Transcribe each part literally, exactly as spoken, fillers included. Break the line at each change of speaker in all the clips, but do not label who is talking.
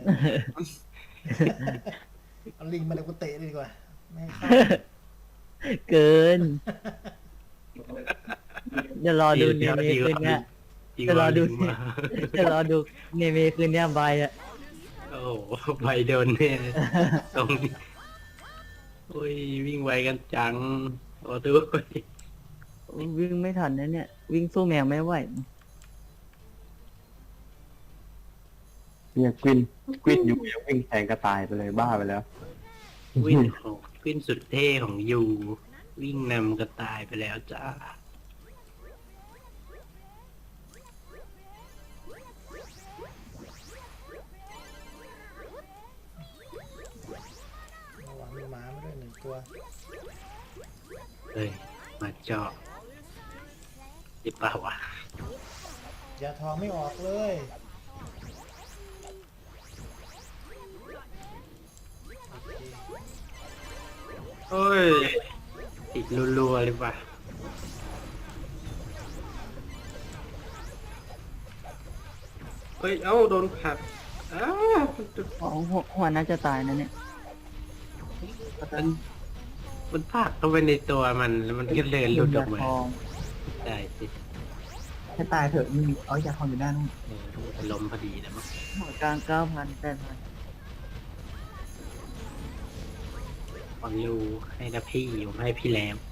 เอาลิงมาเดี๋ยวกูเตะเลยดีกว่าไม่ให้เข้า
เกินจะรอดูเน
เดี๋ยว
เม
ดี
คืน
ก
เนี้ย
ดี
จะ
ก
รอ
ว่า
ดู
ลิงมา
จะรอดูเนเมคืนเนี้ยใบอะ
โอ้โหไปโดนเนี่ยตรงนี้โอ้ยวิ่งไวกันจังโอ้ด้วย
วิ่งไม่ทันนะเนี่ย วิ่งสู้แมวไม่ไหว
เนี่ยกวินกวินอยู่ยังวิ่งแทงกระต่ายไปเลยบ้าไปแล้ว
วิ่งของวิ่งสุดเท่ของยูวิ่งนำกระต่ายไปแล้วจ้า
ระวังมีหมามาด้วยหนึ่งตัว
เฮ้ยมาเจาะดิเปล่าวะ
ยาทองไม่ออกเลยโอเค
เฮ้ยติดรัวๆเลยว่ะเฮ้ยเอ้าโดนผลักอ้าว
อ๋อหัวหัวน่าจะตายนะเนี่ย
มันมันผลักเข้าไปในตัวมันแล้วมันก็เดินหลุดออกมา
ทอง
ได้สิ
ให้ตายเถอะมีเอายาทองอยู่ด้านนู้น
เออลมณ์พอดีนะมั้ง
หัวกลางเก้าพันแปดพัน
ฟังยูให้นะพี่อยู่ให้พี่แรม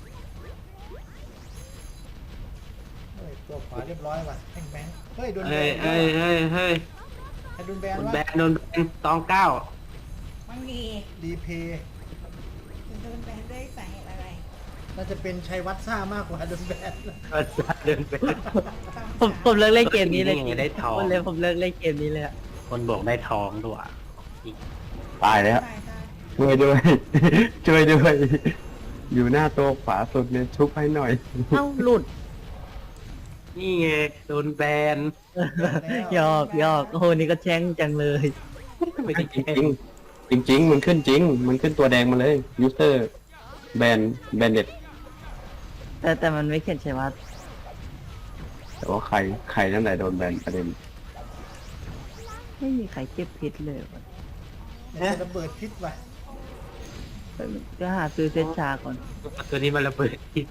เฮ้ยตัวขวาเรียบร้อยว่ะแม่งแบงค์เฮ้ยโดนแบ
เฮ้ย
น
เฮ้ยเฮ้ยเฮ้ย
ใครโดนแบน
โดน
วะ
แบนโดนแบนตองเก้า
มันมี
รีเพย์
จะโดนแบนด้วยสาเหตุอะไร
น่าจะเป็นชัยวัฒน์ซ่ามากกว่าโดนแบน
ก็จะเดินแบน
ผมผมเลิกเล่นเกมนี้เลย
นี่ไงได้ทอง
ผมเลยผมเลิกเล่นเกมนี้เลยอะ
คนบอกได้ทองด้วย
ตายแล้ว
ตายตาย
ช่วยด้วย ช่วยด้วย อยู่หน้าโต๊ะขวาสุดเนี่ยชุบให้หน่อย
เอ้าหลุด
นี่ไงโดนแบน
หยอกหยอกโอ้โหนี่ก็แช่งจังเลย
ไม่ได้
จ
แกล้
ริ
ง
งจริงๆ มันขึ้นจริง มันขึ้นตัวแดงมาเลยยูเซอร์แบนแบนเด็ด
แต่แต่มันไม่เขียนใช่ว่า
แต่ว่าใครใครนั่นแหละโดนแบนประเด็น
ไม่มีใครเก็บพิษเลยว่ะ
เนี่ยระเบิดพิษว่ะ
ก็หาซื้อเซตชาก่อน
ตัวนี้มันระเบิดที่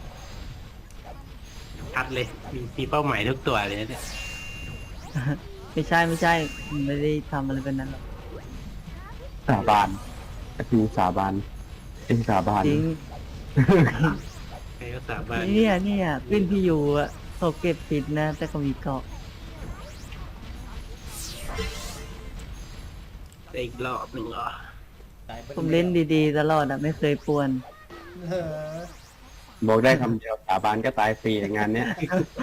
ชัดเลย มีมีเป้าหมายทุกตัวเลยนะเนี่ย
ไม่ใช่ไม่ใช่ไม่ได้ทำอะไรเป็นนั้นหรอก
สาบานก็คือสาบานเอ็งสาบาน
จริง
ใครก็สาบาน
เนี่ยเนี่ยขึ้นพี่อยู่อ่ะเขาเก็บพิษนะ แต่เขามีเกาะ
ได้อีกรอบหนึ่งเหรอ
ตายไป
ผมเล่นดีๆตลอดอ่ะไม่เคยป่วน
เหรอ
บอกได้คำเดียวสาบานก็ตายฟรีงานเนี้ย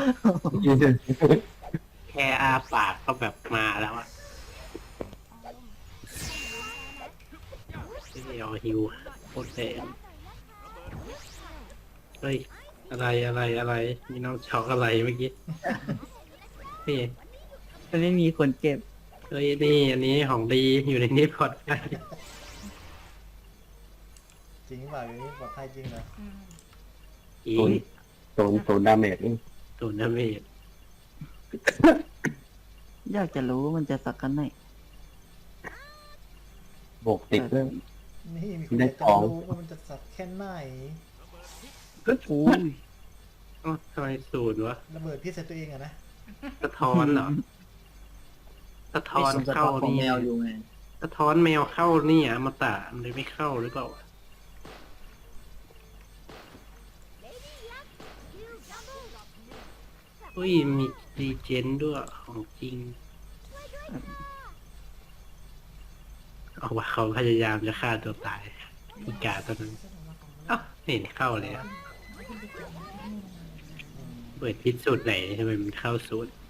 แค่อาปากก็แบบมาแล้วอะไม่เอาฮิวโคตรแดงเฮ้ย อะไรอะไรอะไร มีน้องช็อกอะไรเมื่อกี้นี่
มันไม่มีคนเก็บ
เฮ้ยนี่อันนี้ของดีอยู่ในนี้ปลอดภัย
จริงเปล่าอย่างนี้ปลอดภัยจริงเหรอ
อืม
อี
ศูนย์ศูนย์ศูนย์ดาเมจนี่
ตูนย์เมจ
อยากจะรู้ว่ามันจะสักกันไหน
โบกติดด้วย
นี่มีคน
ได้
อยาก
ข
จะ
อง
รู้ว่ามันจะสัตว์แค่ไหน
อู้ย
อ๋อทำไมศูนย์วะ
ระเบิดพิษใส่ตัวเองอะนะ
สะท้อนเหรอสะท้อนเข้านี่สะท้อนแมวเข้านี่อ่ะมาตะมันเลยไม่เข้าหรือเปล่าเฮ้ยมีดีเจนด้วยของจริง เอาว่าเขาพยายามจะฆ่าตัวตายอีกาตัวนั้นอ้าวเห็นเข้าเลยอะเปิดพิษสูตรไหนทำไมมันเข้าสูตร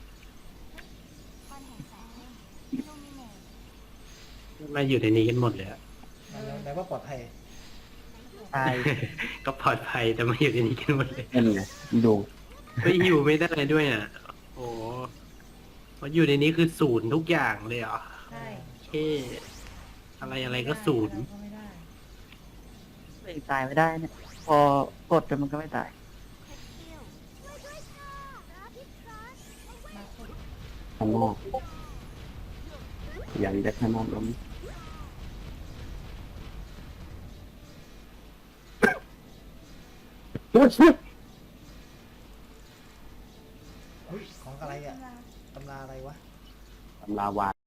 มาอยู่ในนี้กันหมดเลยอะ
แปลว่าปลอดภัย
ตาย
ก็ปลอดภัยแต่มาอยู่ในนี้กันหมดเลย
นั่นไงดู
ไม่อยู่ไม่ได้ด้วยอ่ะ โอ้เพราะอยู่ในนี้คือศูนย์ทุกอย่างเลยเหรอ
ใช่
เท่อะไรอะไรก็ศูนย์
ก็ไม่ได้
ไม่ตายไม่ได้เนี่ย พอกดแต่มันก็ไม่ตาย
มาคน
ข้างนอกอย่างจะขนาดนั้น
เฮ้ยของอะไรอ่ะตำราอะไรวะ
ตำราวา